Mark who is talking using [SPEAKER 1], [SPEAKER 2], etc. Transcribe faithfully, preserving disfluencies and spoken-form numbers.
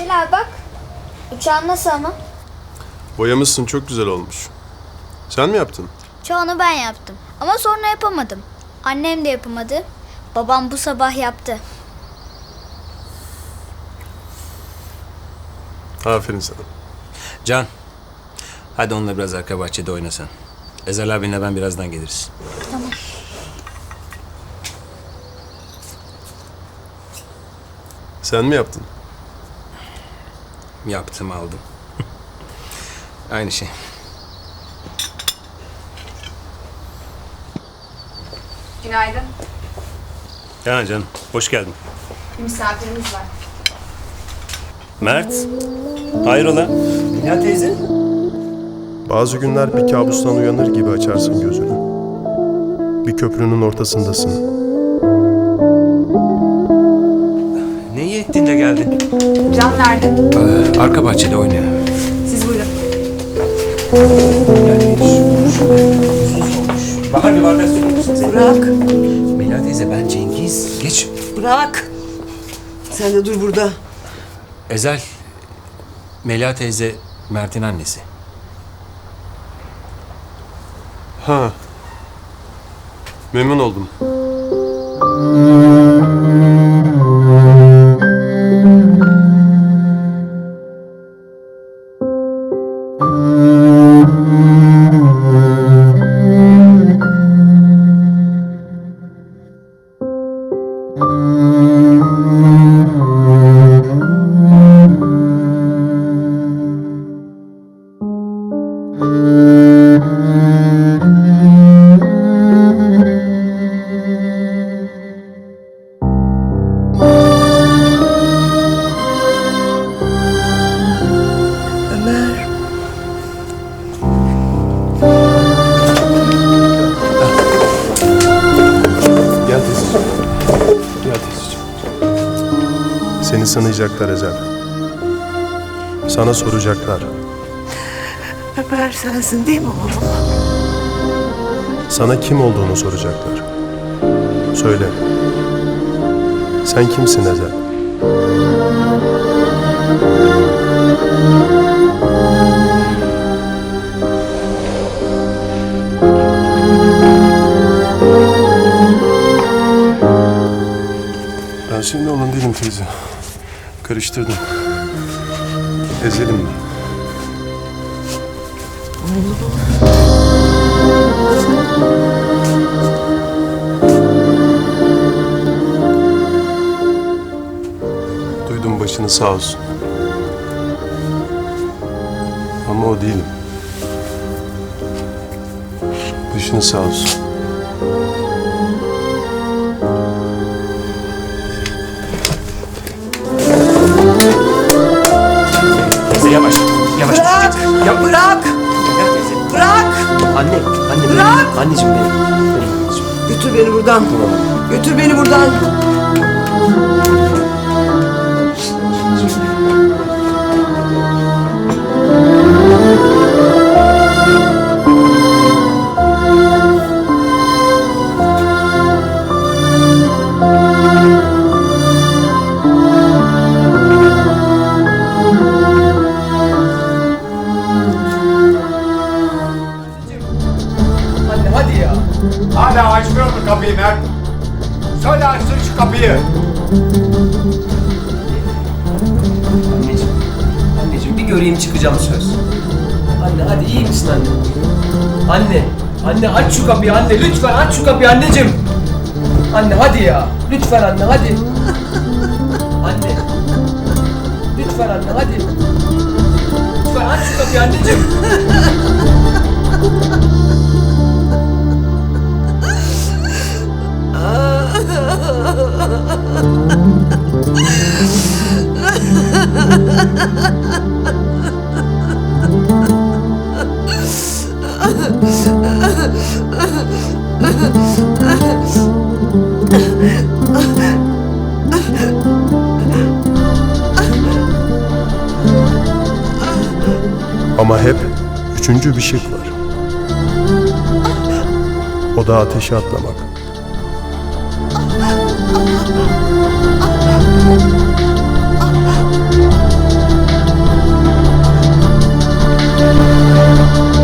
[SPEAKER 1] Celal bak. Uçağın nasıl ama?
[SPEAKER 2] Boyamışsın, çok güzel olmuş. Sen mi yaptın?
[SPEAKER 1] Çoğunu ben yaptım. Ama sonra yapamadım. Annem de yapamadı. Babam bu sabah yaptı.
[SPEAKER 2] Aferin sana.
[SPEAKER 3] Can, hadi onunla biraz arka bahçede oynasan. Ezel abinle ben birazdan geliriz.
[SPEAKER 1] Tamam.
[SPEAKER 2] Sen mi yaptın?
[SPEAKER 3] Yaptım, aldım. Aynı şey.
[SPEAKER 4] Günaydın.
[SPEAKER 5] Ya canım, hoş geldin.
[SPEAKER 4] Bir misafirimiz var.
[SPEAKER 5] Mert, hayrola? Dünya teyze.
[SPEAKER 2] Bazı günler bir kabustan uyanır gibi açarsın gözünü. Bir köprünün ortasındasın.
[SPEAKER 3] Ne iyi ettin de geldin.
[SPEAKER 4] Can nerede?
[SPEAKER 3] Ee, arka bahçede oynuyor.
[SPEAKER 4] Siz buyurun.
[SPEAKER 3] Bahar bir bardak su musun?
[SPEAKER 6] Bırak,
[SPEAKER 3] Mela teyze, ben Cengiz. Geç.
[SPEAKER 6] bırak. Sen de dur burada.
[SPEAKER 3] Ezel, Mela teyze Mert'in annesi.
[SPEAKER 2] Ha. Memnun oldum.
[SPEAKER 6] Ömer.
[SPEAKER 2] Gel teyzeciğim. Gel teyzeciğim. Seni sınayacaklar Ezel. Sana soracaklar.
[SPEAKER 6] Ömer sensin değil mi oğlum?
[SPEAKER 2] Sana kim olduğunu soracaklar. Söyle. Sen kimsin Ezel? Ben senin oğlun değilim teyze. Karıştırdım. Ezel'im ben. Duydum, başını sağ olsun. Ama o değilim. Başını sağ olsun.
[SPEAKER 3] Teyze yavaş, yavaş.
[SPEAKER 6] Bırak,
[SPEAKER 3] Ya
[SPEAKER 6] bırak,
[SPEAKER 3] Mela teyze.
[SPEAKER 6] bırak.
[SPEAKER 3] Anne, anne.
[SPEAKER 6] Bırak!
[SPEAKER 3] Anneciğim benim. Benim anneciğim.
[SPEAKER 6] Götür beni buradan. Götür beni buradan.
[SPEAKER 7] Anne hadi ya. Hala açmıyor mu kapıyı Mert? Söyle açsın şu kapıyı.
[SPEAKER 8] Anneciğim, anneciğim bir göreyim çıkacağım söz. Anne hadi iyi misin anne? Anne, anne aç şu kapıyı anne lütfen aç şu kapıyı anneciğim. Anne hadi ya, lütfen anne hadi. Anne, lütfen anne hadi. Lütfen aç şu kapıyı anneciğim.
[SPEAKER 2] Ama hep üçüncü bir şık var. O da ateşe atlamak.